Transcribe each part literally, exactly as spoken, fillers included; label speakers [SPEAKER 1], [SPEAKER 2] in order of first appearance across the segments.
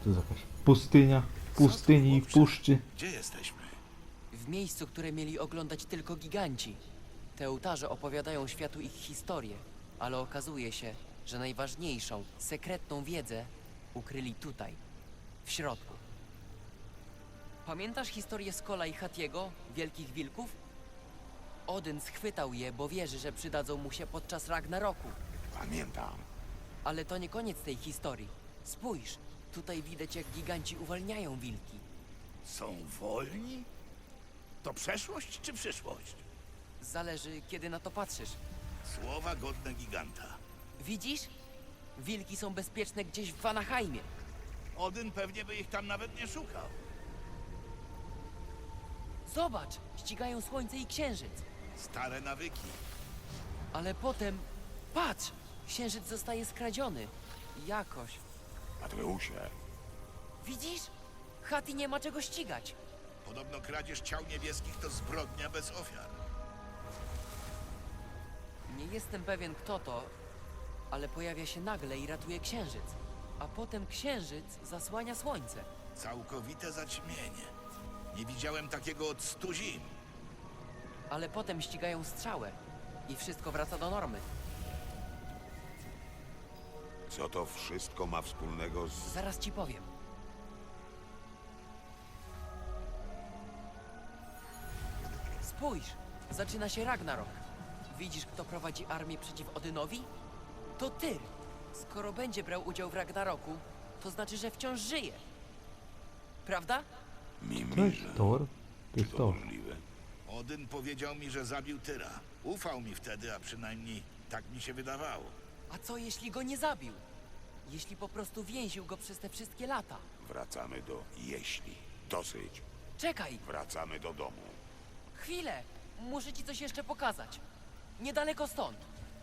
[SPEAKER 1] To jest jakaś pustynia, pustyni i puszczy.
[SPEAKER 2] Gdzie jesteśmy?
[SPEAKER 3] W miejscu, które mieli oglądać tylko giganci. Te ołtarze opowiadają światu ich historię, ale okazuje się, że najważniejszą, sekretną wiedzę ukryli tutaj, w środku. Pamiętasz historię Skola i Hatiego, wielkich wilków? Odyn schwytał je, bo wierzy, że przydadzą mu się podczas Ragnaroku.
[SPEAKER 2] Pamiętam.
[SPEAKER 3] Ale to nie koniec tej historii. Spójrz, tutaj widać, jak giganci uwalniają wilki.
[SPEAKER 4] Są wolni? To przeszłość czy przyszłość?
[SPEAKER 3] Zależy, kiedy na to patrzysz.
[SPEAKER 4] Słowa godne giganta.
[SPEAKER 3] Widzisz? Wilki są bezpieczne gdzieś w Vanaheimie.
[SPEAKER 4] Odyn pewnie by ich tam nawet nie szukał.
[SPEAKER 3] Zobacz, ścigają słońce i księżyc.
[SPEAKER 4] Stare nawyki.
[SPEAKER 3] Ale potem, patrz, księżyc zostaje skradziony. Jakoś.
[SPEAKER 2] Atreusie,
[SPEAKER 3] Widzisz? Hati nie ma czego ścigać.
[SPEAKER 4] Podobno kradzież ciał niebieskich to zbrodnia bez ofiar.
[SPEAKER 3] Nie jestem pewien, kto to, ale pojawia się nagle i ratuje księżyc. A potem księżyc zasłania słońce.
[SPEAKER 4] Całkowite zaćmienie. Nie widziałem takiego od stu zim.
[SPEAKER 3] Ale potem ścigają strzałę i wszystko wraca do normy.
[SPEAKER 2] co to wszystko ma wspólnego z...
[SPEAKER 3] Zaraz ci powiem. Spójrz, zaczyna się Ragnarok. Widzisz, kto prowadzi armię przeciw Odynowi? To Tyr. Skoro będzie brał udział w Ragnaroku, to znaczy, że wciąż żyje. Prawda?
[SPEAKER 1] To jest
[SPEAKER 2] Mimirze.
[SPEAKER 1] Thor? To
[SPEAKER 2] Czy
[SPEAKER 1] jest
[SPEAKER 2] to
[SPEAKER 1] Thor.
[SPEAKER 2] możliwe?
[SPEAKER 4] Odyn powiedział mi, że zabił Tyra. Ufał mi wtedy, a przynajmniej tak mi się wydawało.
[SPEAKER 3] A co jeśli go nie zabił? Jeśli po prostu więził go przez te wszystkie lata?
[SPEAKER 2] Wracamy do jeśli. Dosyć.
[SPEAKER 3] Czekaj,
[SPEAKER 2] Wracamy do domu.
[SPEAKER 3] chwilę! Muszę ci coś jeszcze pokazać. Niedaleko stąd.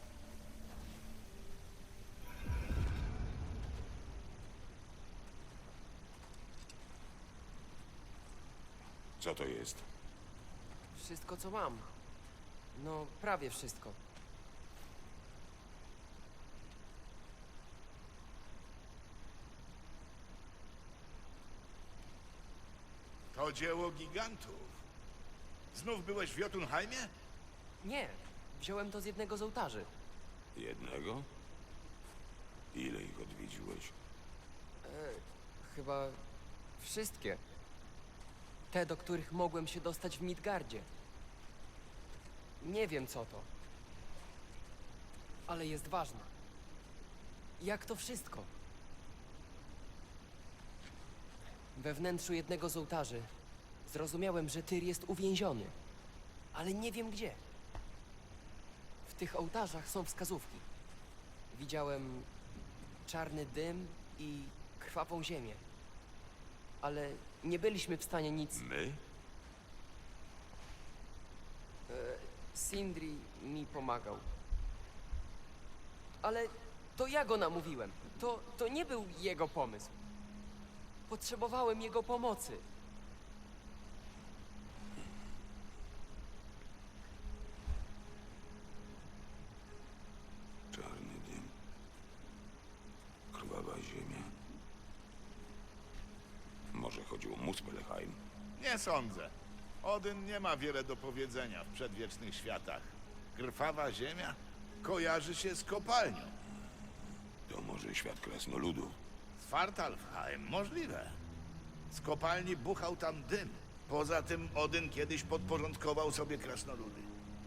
[SPEAKER 2] Co to jest?
[SPEAKER 5] Wszystko, co mam. No, prawie wszystko.
[SPEAKER 4] To dzieło gigantów. Znów byłeś w Jotunheimie?
[SPEAKER 5] Nie, wziąłem to z jednego z ołtarzy.
[SPEAKER 2] Jednego? Ile ich odwiedziłeś?
[SPEAKER 5] E, chyba wszystkie. Te, do których mogłem się dostać w Midgardzie. Nie wiem, co to. Ale jest ważne. Jak to wszystko? We wnętrzu jednego z ołtarzy zrozumiałem, że Tyr jest uwięziony. Ale nie wiem gdzie. W tych ołtarzach są wskazówki. Widziałem czarny dym i krwawą ziemię. Ale nie byliśmy w stanie nic...
[SPEAKER 2] My?
[SPEAKER 5] Sindri mi pomagał. Ale to ja go namówiłem. To, to nie był jego pomysł. Potrzebowałem jego pomocy.
[SPEAKER 2] Czarny dym. Krwawa ziemia. Może chodziło o Muspelheim?
[SPEAKER 4] Nie sądzę. Odyn nie ma wiele do powiedzenia w przedwiecznych światach. Krwawa ziemia kojarzy się z kopalnią.
[SPEAKER 2] To może świat krasnoludów?
[SPEAKER 4] Svartalfheim możliwe. Z kopalni buchał tam dym. Poza tym Odyn kiedyś podporządkował sobie krasnoludy.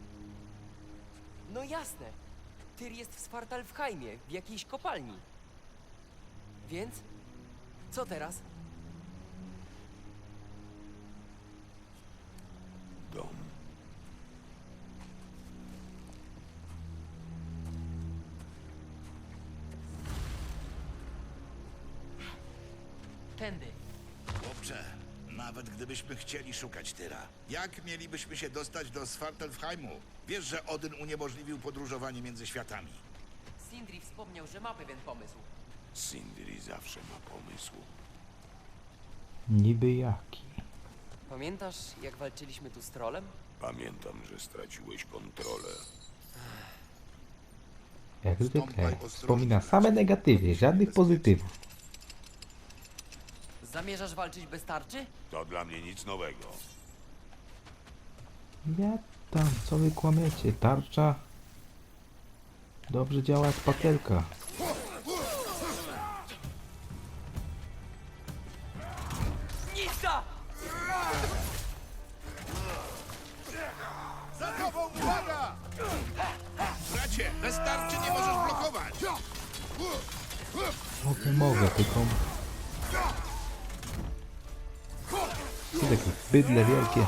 [SPEAKER 5] No jasne. Tyr jest w Svartalfheimie, w jakiejś kopalni. Więc? Co teraz?
[SPEAKER 2] Dom.
[SPEAKER 3] Tędy.
[SPEAKER 4] Chłopcze, nawet gdybyśmy chcieli szukać Tyra, jak mielibyśmy się dostać do Svartalfheimu? Wiesz, że Odyn uniemożliwił podróżowanie między światami.
[SPEAKER 3] Sindri wspomniał, że ma pewien pomysł.
[SPEAKER 2] Sindri zawsze ma pomysł.
[SPEAKER 1] Niby jaki?
[SPEAKER 5] Pamiętasz, jak walczyliśmy tu z trolem?
[SPEAKER 2] Pamiętam, że straciłeś kontrolę.
[SPEAKER 1] Jak zwykle.
[SPEAKER 4] Stąpaj ostrożnie.
[SPEAKER 1] Wspomina same negatywy, żadnych pozytywów.
[SPEAKER 3] Zamierzasz walczyć bez tarczy?
[SPEAKER 2] To dla mnie nic nowego.
[SPEAKER 1] Ja tam, co wy kłamiecie? Tarcza dobrze działa jak patelka.
[SPEAKER 3] Nista!
[SPEAKER 4] Za tobą, uwaga! Bracie, bez tarczy nie możesz blokować!
[SPEAKER 1] Mogę, mogę, tylko... Co takie bydle wielkie.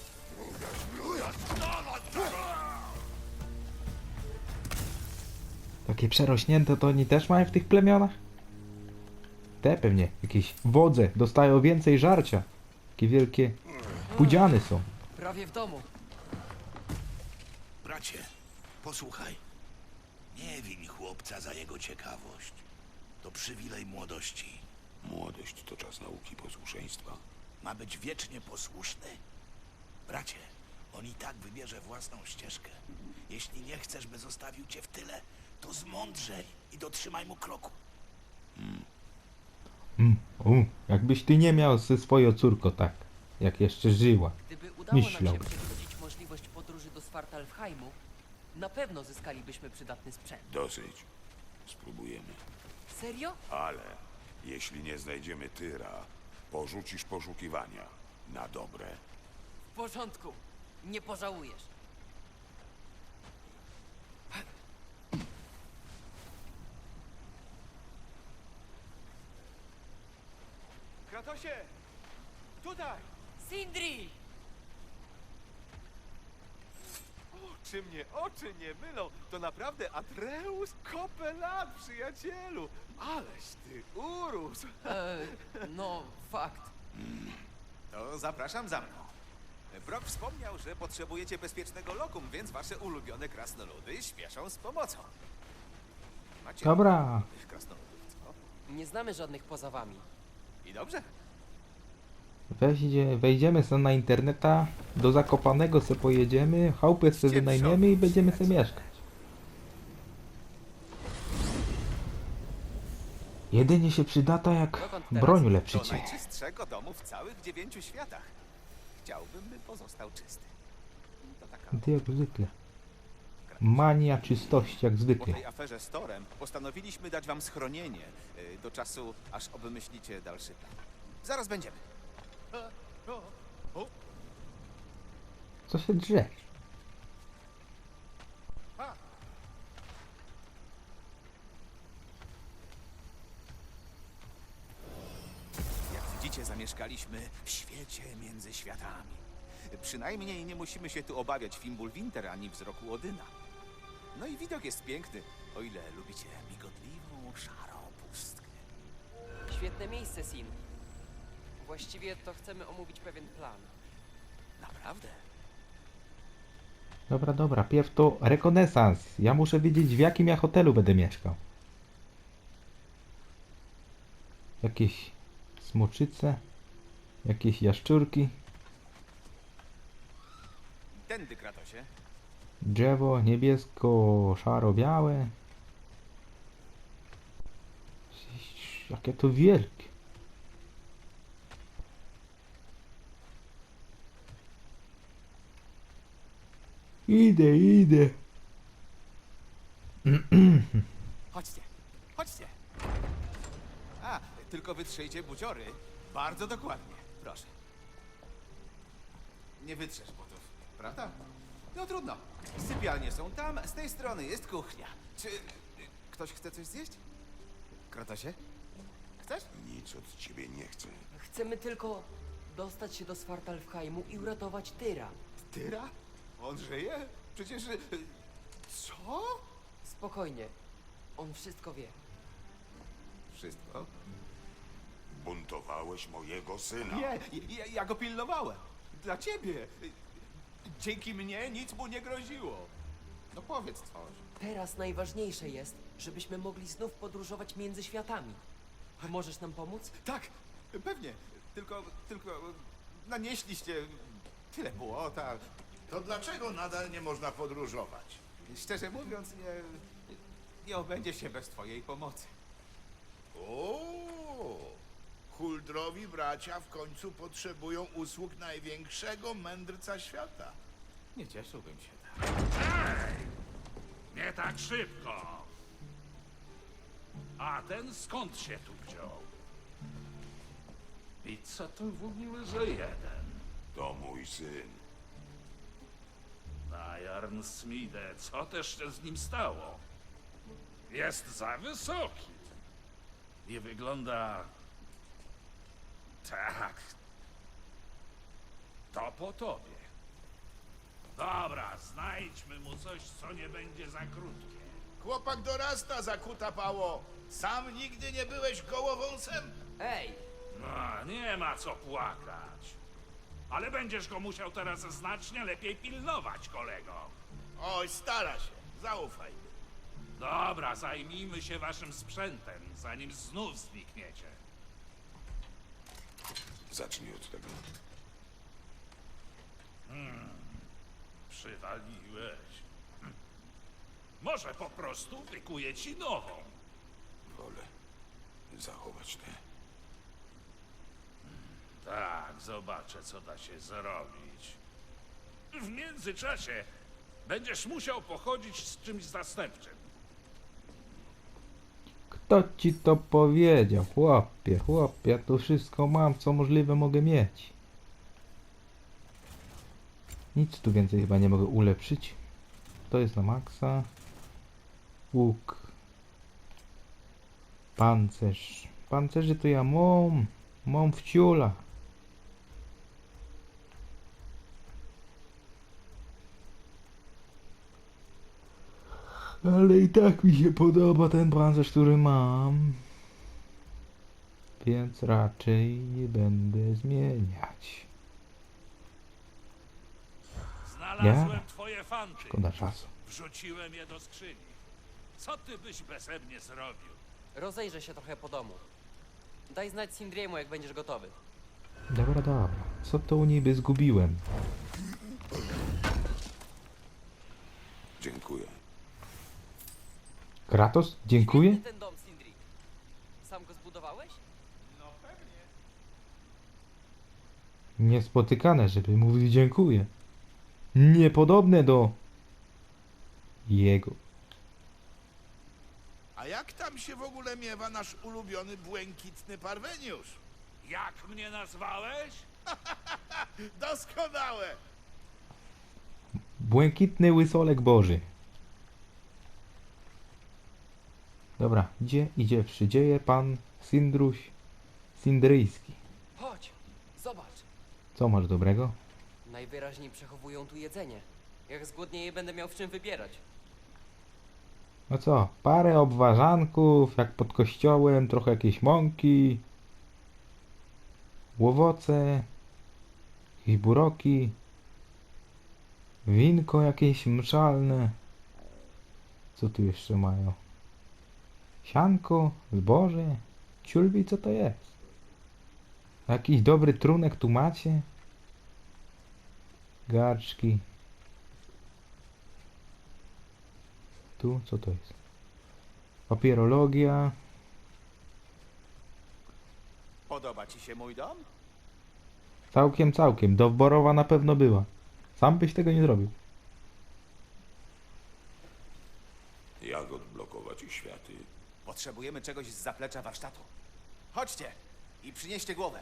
[SPEAKER 1] Takie przerośnięte to oni też mają w tych plemionach? Te pewnie, jakieś wodze dostają więcej żarcia. Takie wielkie pudziany są.
[SPEAKER 3] Prawie w domu.
[SPEAKER 4] Bracie, posłuchaj. Nie win chłopca za jego ciekawość. To przywilej młodości.
[SPEAKER 2] Młodość to czas nauki posłuszeństwa.
[SPEAKER 4] Ma być wiecznie posłuszny. Bracie, on i tak wybierze własną ścieżkę. Jeśli nie chcesz, by zostawił cię w tyle, to zmądrzej i dotrzymaj mu kroku.
[SPEAKER 1] Mm, u, jakbyś ty nie miał ze swoją córką tak, jak jeszcze żyła.
[SPEAKER 3] Gdyby udało nam
[SPEAKER 1] Myślał.
[SPEAKER 3] się przewidzieć możliwość podróży do Svartalfheimu, na pewno zyskalibyśmy przydatny sprzęt.
[SPEAKER 2] Dosyć. Spróbujemy.
[SPEAKER 3] Serio?
[SPEAKER 2] Ale jeśli nie znajdziemy Tyra, porzucisz poszukiwania. Na dobre.
[SPEAKER 3] W porządku. Nie pożałujesz.
[SPEAKER 6] Kratosie! Tutaj!
[SPEAKER 3] Sindri!
[SPEAKER 6] Oczy mnie, oczy nie mylą. To naprawdę Atreus Kopelat, przyjacielu. Aleś ty urósł.
[SPEAKER 3] E, no, fakt.
[SPEAKER 6] To zapraszam za mną. Brock wspomniał, że potrzebujecie bezpiecznego lokum, więc wasze ulubione krasnoludy śpieszą z pomocą. Macie
[SPEAKER 1] Dobra,
[SPEAKER 6] tych krasnoludów, co?
[SPEAKER 3] Nie znamy żadnych poza wami.
[SPEAKER 6] I dobrze.
[SPEAKER 1] weździe, wejdziemy sobie na interneta, do Zakopanego se pojedziemy, chałupę se wynajmiemy i będziemy se mieszkać. Jedynie się przydata jak
[SPEAKER 3] Dokąd teraz?
[SPEAKER 1] broń
[SPEAKER 6] Do
[SPEAKER 1] ulepszycie.
[SPEAKER 6] najczystszego domu w całych dziewięciu światach. Chciałbym, by pozostał czysty. To taka...
[SPEAKER 1] Ty jak zwykle. Mania czystości jak
[SPEAKER 6] Po
[SPEAKER 1] zwykle.
[SPEAKER 6] tej aferze z Torem postanowiliśmy dać wam schronienie y, do czasu, aż obmyślicie dalszy plan. Zaraz będziemy.
[SPEAKER 1] Co się drze?
[SPEAKER 6] Jak widzicie, zamieszkaliśmy w świecie między światami. Przynajmniej nie musimy się tu obawiać Fimbulwinter ani wzroku Odyna. No i widok jest piękny, o ile lubicie migotliwą, szarą pustkę.
[SPEAKER 3] Świetne miejsce, Sin. Właściwie to chcemy omówić pewien plan.
[SPEAKER 6] Naprawdę?
[SPEAKER 1] Dobra, dobra, pierw to rekonesans. Ja muszę wiedzieć, w jakim ja hotelu będę mieszkał. Jakieś smoczyce, jakieś jaszczurki,
[SPEAKER 6] Tędy, Kratosie.
[SPEAKER 1] drzewo niebiesko-szaro-białe. Jakie to wielkie. Idę, idę.
[SPEAKER 6] Chodźcie, chodźcie. A, tylko wytrzyjcie buciory. Bardzo dokładnie, proszę. Nie wytrzesz butów, prawda? No trudno. Sypialnie są tam, z tej strony jest kuchnia. Czy y, ktoś chce coś zjeść? Kratosie? Chcesz?
[SPEAKER 2] Nic od ciebie nie chcę.
[SPEAKER 3] Chcemy tylko dostać się do Svartalfheimu i uratować Tyra.
[SPEAKER 6] Tyra? On żyje? Przecież... y, Co?
[SPEAKER 3] Spokojnie. On wszystko wie.
[SPEAKER 6] Wszystko?
[SPEAKER 2] Buntowałeś mojego syna.
[SPEAKER 6] Nie, ja, ja go pilnowałem. Dla ciebie. Dzięki mnie nic mu nie groziło. No powiedz coś.
[SPEAKER 3] Teraz najważniejsze jest, żebyśmy mogli znów podróżować między światami. Możesz nam pomóc?
[SPEAKER 6] Tak, pewnie. Tylko, tylko nanieśliście tyle błota.
[SPEAKER 4] To dlaczego nadal nie można podróżować?
[SPEAKER 6] Szczerze mówiąc, nie, nie obędzie się bez twojej pomocy.
[SPEAKER 4] O, Huldrowi bracia w końcu potrzebują usług największego mędrca świata.
[SPEAKER 6] Nie cieszyłbym się tak.
[SPEAKER 7] Nie tak szybko. A ten skąd się tu wziął? I co to w ogóle za jeden?
[SPEAKER 2] To mój syn.
[SPEAKER 7] Najarn Smide, co też się z nim stało? Jest za wysoki. I wygląda... Tak. To po tobie. Dobra, znajdźmy mu coś, co nie będzie za krótkie.
[SPEAKER 4] Chłopak dorasta, zakuta pało. Sam nigdy nie byłeś gołowąsem?
[SPEAKER 5] Ej,
[SPEAKER 7] No, nie ma co płakać. Ale będziesz go musiał teraz znacznie lepiej pilnować, kolego.
[SPEAKER 4] Oj, stara się. Zaufaj.
[SPEAKER 7] Dobra, zajmijmy się waszym sprzętem, zanim znów znikniecie.
[SPEAKER 2] Zacznij od tego.
[SPEAKER 7] Przywaliłeś. Hm. Może po prostu wykuję ci nową.
[SPEAKER 2] Wolę zachować tę.
[SPEAKER 7] Tak, zobaczę, co da się zrobić. W międzyczasie będziesz musiał pochodzić z czymś zastępczym.
[SPEAKER 1] Kto ci to powiedział? Chłopie, chłopie, ja tu wszystko mam, co możliwe mogę mieć. Nic tu więcej chyba nie mogę ulepszyć. To jest na maksa. Łuk. Pancerz. Pancerzy to ja mam. Mam w ciula. Ale i tak mi się podoba ten pancerz, który mam. Więc raczej nie będę zmieniać.
[SPEAKER 7] Znalazłem
[SPEAKER 1] Ja?
[SPEAKER 7] twoje fanty.
[SPEAKER 1] Szkoda czasu.
[SPEAKER 7] Wrzuciłem je do skrzyni. Co ty byś beze mnie zrobił?
[SPEAKER 5] rozejrzę się trochę po domu. Daj znać Sindriemu, jak będziesz gotowy.
[SPEAKER 1] Dobra, dobra. Co to u niby zgubiłem?
[SPEAKER 2] Dziękuję.
[SPEAKER 1] Kratos? Dziękuję?
[SPEAKER 5] Świetny ten dom, Sindri. Sam go zbudowałeś?
[SPEAKER 1] Niespotykane, żeby mówił dziękuję. Niepodobne do jego.
[SPEAKER 4] A jak tam się w ogóle miewa nasz ulubiony błękitny parweniusz?
[SPEAKER 7] Jak mnie nazwałeś?
[SPEAKER 4] Doskonałe!
[SPEAKER 1] Błękitny łysolek Boży. Dobra, gdzie idzie przydzieje pan Sindruś Sindryjski.
[SPEAKER 5] Chodź, zobacz.
[SPEAKER 1] Co masz dobrego?
[SPEAKER 5] Najwyraźniej przechowują tu jedzenie. Jak zgłodnieję, będę miał w czym wybierać.
[SPEAKER 1] No co, parę obwarzanków, jak pod kościołem, trochę jakieś mąki, owoce, jakieś buroki, winko jakieś mszalne. Co tu jeszcze mają? Sianko, zboże, ciulbi, co to jest? Jakiś dobry trunek tu macie? Garczki. Tu, co to jest? Papierologia.
[SPEAKER 6] Podoba ci się mój dom?
[SPEAKER 1] Całkiem, całkiem. Dowborowa na pewno była. Sam byś tego nie zrobił.
[SPEAKER 2] Jak odblokować ich światy?
[SPEAKER 6] Potrzebujemy czegoś z zaplecza warsztatu. Chodźcie i przynieście głowę.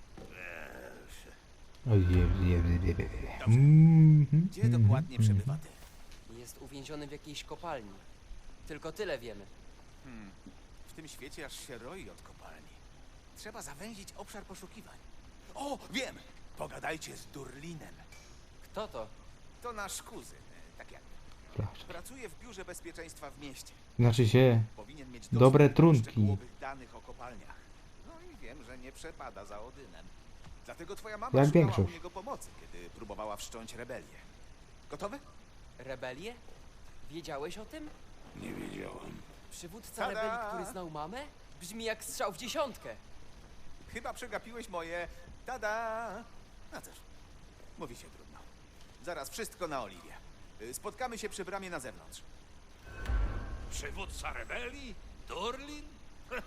[SPEAKER 1] Mhm,
[SPEAKER 6] Gdzie dokładnie
[SPEAKER 1] mhm,
[SPEAKER 6] przebywa ty?
[SPEAKER 5] Jest uwięziony w jakiejś kopalni. Tylko tyle wiemy.
[SPEAKER 6] W tym świecie aż się roi od kopalni. Trzeba zawęzić obszar poszukiwań. O, wiem! Pogadajcie z Durlinem.
[SPEAKER 5] Kto to?
[SPEAKER 6] To nasz kuzyn, tak jak
[SPEAKER 1] Flaszki.
[SPEAKER 6] pracuje w biurze bezpieczeństwa w mieście.
[SPEAKER 1] Znaczy się,
[SPEAKER 6] Powinien mieć
[SPEAKER 1] Dobre
[SPEAKER 6] dostęp do
[SPEAKER 1] trunki.
[SPEAKER 6] szczegółowych danych o kopalniach. No i wiem, że nie przepada za Odynem. Dlatego twoja mama
[SPEAKER 1] Jak
[SPEAKER 6] szukała
[SPEAKER 1] większość.
[SPEAKER 6] u niego pomocy, kiedy próbowała wszcząć rebelię. Gotowy?
[SPEAKER 5] Rebelię? Wiedziałeś o tym?
[SPEAKER 2] Nie wiedziałem.
[SPEAKER 5] Przywódca
[SPEAKER 6] Tada!
[SPEAKER 5] rebelii, który znał mamę? Brzmi jak strzał w dziesiątkę.
[SPEAKER 6] Chyba przegapiłeś moje tada. No cóż, mówi się trudno. Zaraz wszystko na Oliwie. Y, Spotkamy się przy bramie na zewnątrz.
[SPEAKER 7] Przywódca rebelii? Durlin?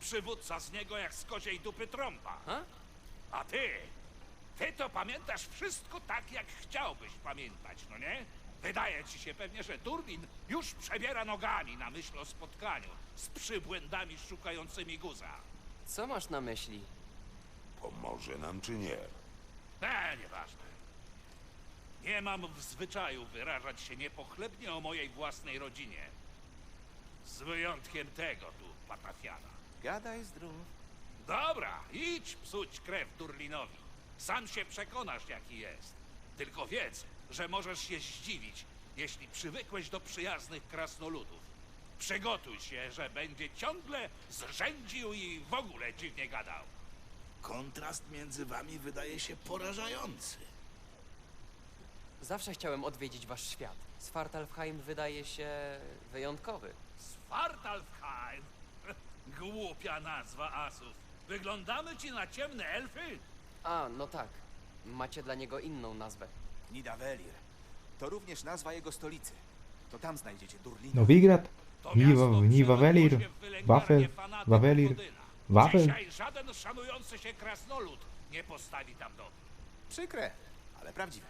[SPEAKER 7] Przywódca z niego jak z koziej dupy trąba.
[SPEAKER 5] Ha?
[SPEAKER 7] A ty, ty to pamiętasz wszystko tak, jak chciałbyś pamiętać, no nie? Wydaje ci się pewnie, że Durlin już przebiera nogami na myśl o spotkaniu z przybłędami szukającymi guza.
[SPEAKER 5] Co masz na myśli?
[SPEAKER 2] Pomoże nam czy nie?
[SPEAKER 7] E, nieważne. Nie mam w zwyczaju wyrażać się niepochlebnie o mojej własnej rodzinie. Z wyjątkiem tego tu, patafiana.
[SPEAKER 6] Gadaj zdrów.
[SPEAKER 7] Dobra, idź psuć krew Durlinowi. Sam się przekonasz, jaki jest. Tylko wiedz, że możesz się zdziwić, jeśli przywykłeś do przyjaznych krasnoludów. Przygotuj się, że będzie ciągle zrzędził i w ogóle dziwnie gadał.
[SPEAKER 4] Kontrast między wami wydaje się porażający.
[SPEAKER 5] Zawsze chciałem odwiedzić wasz świat. Svartalfheim wydaje się wyjątkowy.
[SPEAKER 7] Svartalfheim? Głupia nazwa asów. Wyglądamy ci na ciemne elfy?
[SPEAKER 5] A, no tak. Macie dla niego inną nazwę.
[SPEAKER 6] Nidavellir. To również nazwa jego stolicy. To tam znajdziecie Durlina.
[SPEAKER 1] Nowigrad,
[SPEAKER 7] To
[SPEAKER 1] Niwa,
[SPEAKER 7] miasto
[SPEAKER 1] Niwavelir,
[SPEAKER 7] przewodło się w wylęgarnię
[SPEAKER 1] Wafel,
[SPEAKER 7] fanatyków
[SPEAKER 1] Wavelir,
[SPEAKER 7] Odyna.
[SPEAKER 1] Wafel.
[SPEAKER 7] Dzisiaj żaden szanujący się krasnolud nie postawi tam domu.
[SPEAKER 6] Przykre, ale prawdziwe.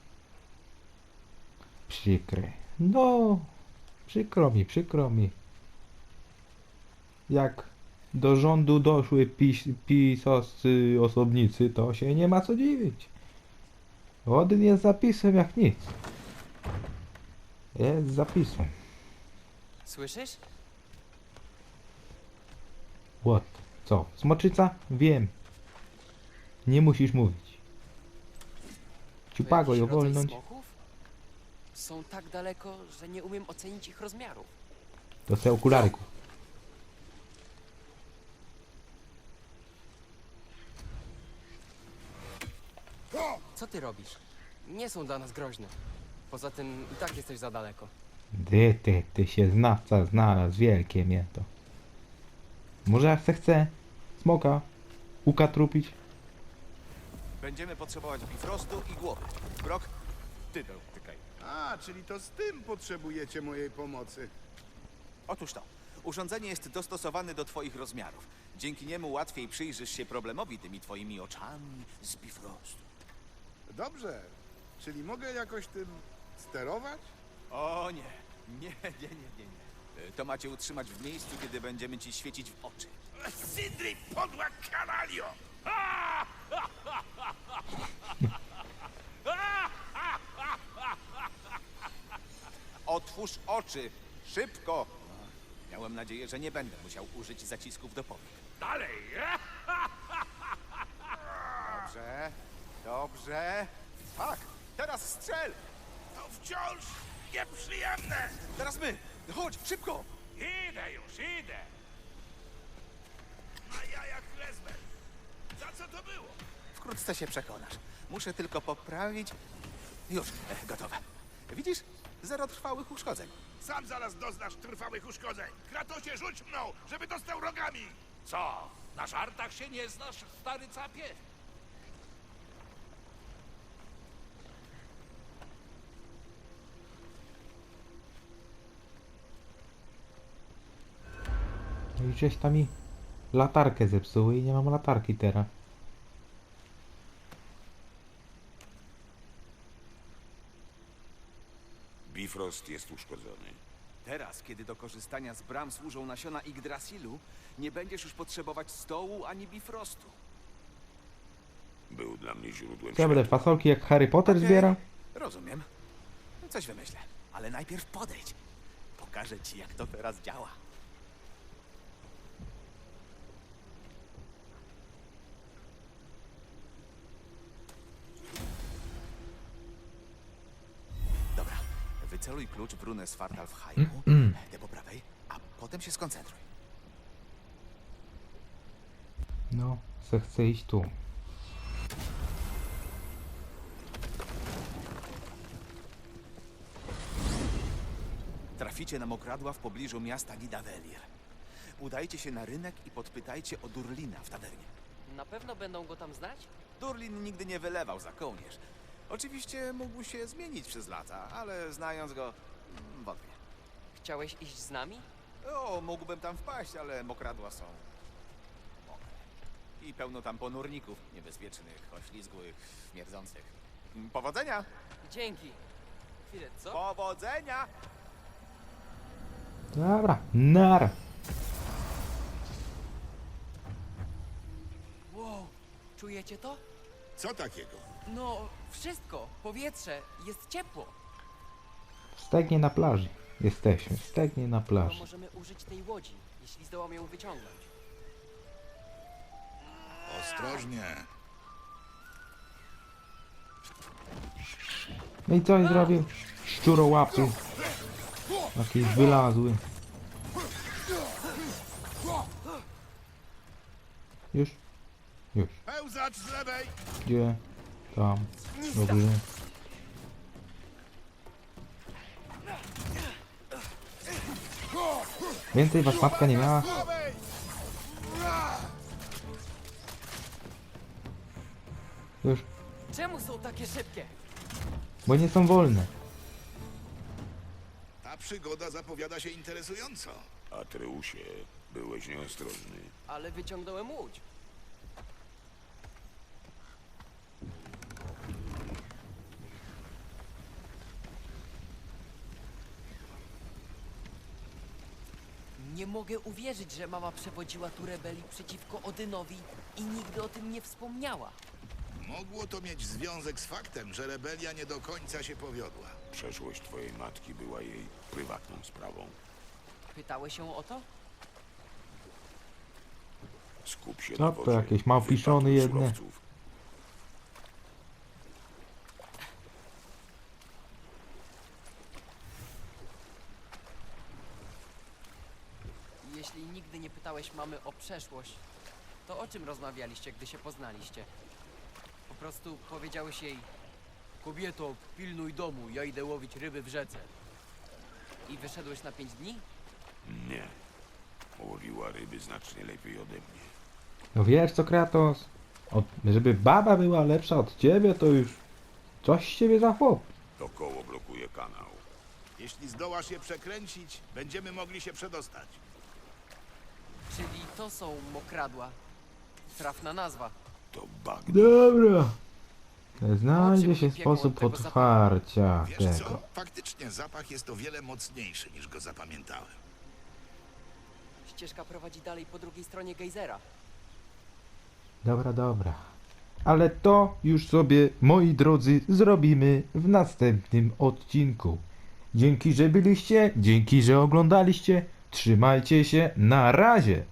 [SPEAKER 1] Przykre. No, przykro mi, przykro mi. Jak do rządu doszły pis, pisowscy osobnicy, to się nie ma co dziwić. Odyn jest zapisem jak nic. Jest zapisem.
[SPEAKER 5] Słyszysz?
[SPEAKER 1] What? Co? Smoczyca? Wiem. Nie musisz mówić.
[SPEAKER 5] To
[SPEAKER 1] Ciupago
[SPEAKER 5] jakiś
[SPEAKER 1] ją
[SPEAKER 5] rodzaj
[SPEAKER 1] wolnąć.
[SPEAKER 5] smoków? Są tak daleko, że nie umiem ocenić ich rozmiarów.
[SPEAKER 1] To te okulary. ku-
[SPEAKER 5] Co ty robisz? Nie są dla nas groźne. Poza tym i tak jesteś za daleko.
[SPEAKER 1] Ty, ty, ty się znawca znalazł, wielkie mnie to. Może jak se chce smoka ukatrupić?
[SPEAKER 6] Będziemy potrzebować bifrostu i głowy. Brok, ty dotykaj.
[SPEAKER 8] A, czyli to z tym potrzebujecie mojej pomocy.
[SPEAKER 6] Otóż to. Urządzenie jest dostosowane do twoich rozmiarów. Dzięki niemu łatwiej przyjrzysz się problemowi tymi twoimi oczami z bifrostu.
[SPEAKER 8] Dobrze, czyli mogę jakoś tym sterować?
[SPEAKER 6] O nie, nie, nie, nie, nie, nie. Y, To macie utrzymać w miejscu, kiedy będziemy ci świecić w oczy.
[SPEAKER 4] Sindri, podła kanalio!
[SPEAKER 6] Otwórz oczy! Szybko! Miałem nadzieję, że nie będę musiał użyć zacisków do powiek.
[SPEAKER 7] Dalej!
[SPEAKER 6] Dobrze, dobrze. Tak, teraz strzel!
[SPEAKER 4] To wciąż nieprzyjemne!
[SPEAKER 6] Teraz my! Chodź, szybko!
[SPEAKER 7] Idę już, idę!
[SPEAKER 4] Na jajach lesbę! Za co to było?
[SPEAKER 6] Wkrótce się przekonasz. Muszę tylko poprawić. Już, e, gotowe. Widzisz? Zero trwałych uszkodzeń.
[SPEAKER 4] Sam zaraz doznasz trwałych uszkodzeń. Kratosie, rzuć mną, żeby dostał rogami!
[SPEAKER 7] Co? Na żartach się nie znasz, stary capie?
[SPEAKER 1] No i żeś tam mi latarkę zepsuły i nie mam latarki teraz.
[SPEAKER 2] Bifrost jest uszkodzony.
[SPEAKER 6] Teraz, kiedy do korzystania z bram służą nasiona Yggdrasilu, nie będziesz już potrzebować stołu ani bifrostu.
[SPEAKER 2] Był dla mnie źródłem
[SPEAKER 1] Co ja będę
[SPEAKER 2] światła.
[SPEAKER 1] fasolki jak Harry Potter
[SPEAKER 6] Okej,
[SPEAKER 1] zbierał?
[SPEAKER 6] Rozumiem. Coś wymyślę. Ale najpierw podejdź. Pokażę ci, jak to teraz działa. Dobra. Wyceluj klucz w runę Svartalfheimu, tę po prawej, a potem się skoncentruj.
[SPEAKER 1] No, se chcę iść tu.
[SPEAKER 6] Traficie na mokradła w pobliżu miasta Nidavellir. Udajcie się na rynek i podpytajcie o Durlina w tawernie.
[SPEAKER 5] Na pewno będą go tam znać?
[SPEAKER 6] Durlin nigdy nie wylewał za kołnierz. Oczywiście mógł się zmienić przez lata, ale znając go, mm, wątpię.
[SPEAKER 5] Chciałeś iść z nami?
[SPEAKER 6] O, mógłbym tam wpaść, ale mokradła są I pełno tam ponurników niebezpiecznych, oślizgłych, śmierdzących. Powodzenia!
[SPEAKER 5] Dzięki. Chwilę, co?
[SPEAKER 6] Powodzenia!
[SPEAKER 1] Dobra, nara.
[SPEAKER 5] Wow, czujecie to?
[SPEAKER 8] Co takiego?
[SPEAKER 5] No, wszystko. Powietrze. Jest ciepło.
[SPEAKER 1] Stegnie na plaży. Jesteśmy, stegnie na
[SPEAKER 5] No,
[SPEAKER 1] plaży.
[SPEAKER 5] możemy użyć tej łodzi, jeśli zdołam ją wyciągnąć.
[SPEAKER 8] Ostrożnie.
[SPEAKER 1] No i coś zrobił? Szczurołapy. Jakiś wylazły. Już? Już.
[SPEAKER 8] Pełzacz z lewej!
[SPEAKER 1] Gdzie? Tam. Dobrze. Więcej was matka nie miała?
[SPEAKER 8] Prawej!
[SPEAKER 1] Już.
[SPEAKER 5] Czemu są takie szybkie?
[SPEAKER 1] Bo nie są wolne.
[SPEAKER 8] Ta przygoda zapowiada się interesująco.
[SPEAKER 2] Atreusie, byłeś nieostrożny.
[SPEAKER 5] Ale wyciągnąłem łódź. Nie mogę uwierzyć, że mama przewodziła tu rebelii przeciwko Odynowi i nigdy o tym nie wspomniała.
[SPEAKER 8] Mogło to mieć związek z faktem, że rebelia nie do końca się powiodła.
[SPEAKER 2] Przeszłość twojej matki była jej prywatną sprawą.
[SPEAKER 5] Pytałeś się o to?
[SPEAKER 2] Skup się
[SPEAKER 1] Co
[SPEAKER 2] na
[SPEAKER 1] to,
[SPEAKER 2] wodzie.
[SPEAKER 1] jakieś małpiszony
[SPEAKER 2] Wypatruj
[SPEAKER 1] jedne?
[SPEAKER 2] surowców.
[SPEAKER 5] Jeśli nigdy nie pytałeś mamy o przeszłość, to o czym rozmawialiście, gdy się poznaliście? Po prostu powiedziałeś jej: kobieto, pilnuj domu, ja idę łowić ryby w rzece. I wyszedłeś na pięć dni?
[SPEAKER 2] Nie. Łowiła ryby znacznie lepiej ode mnie.
[SPEAKER 1] No wiesz co, Kratos? Od, żeby baba była lepsza od ciebie, to już coś z ciebie za chłop.
[SPEAKER 2] To koło blokuje kanał.
[SPEAKER 8] Jeśli zdołasz je przekręcić, będziemy mogli się przedostać.
[SPEAKER 5] Czyli to są mokradła. Trafna nazwa.
[SPEAKER 2] To bagno.
[SPEAKER 1] Dobra. Znajdzie
[SPEAKER 5] Oczy
[SPEAKER 1] się
[SPEAKER 5] mi piekło od
[SPEAKER 1] sposób
[SPEAKER 5] tego
[SPEAKER 1] otwarcia
[SPEAKER 8] Wiesz
[SPEAKER 1] tego.
[SPEAKER 8] co? Faktycznie zapach jest o wiele mocniejszy niż go zapamiętałem.
[SPEAKER 5] Ścieżka prowadzi dalej po drugiej stronie gejzera.
[SPEAKER 1] Dobra, dobra. Ale to już sobie, moi drodzy, zrobimy w następnym odcinku. Dzięki, że byliście, dzięki, że oglądaliście. Trzymajcie się, na razie!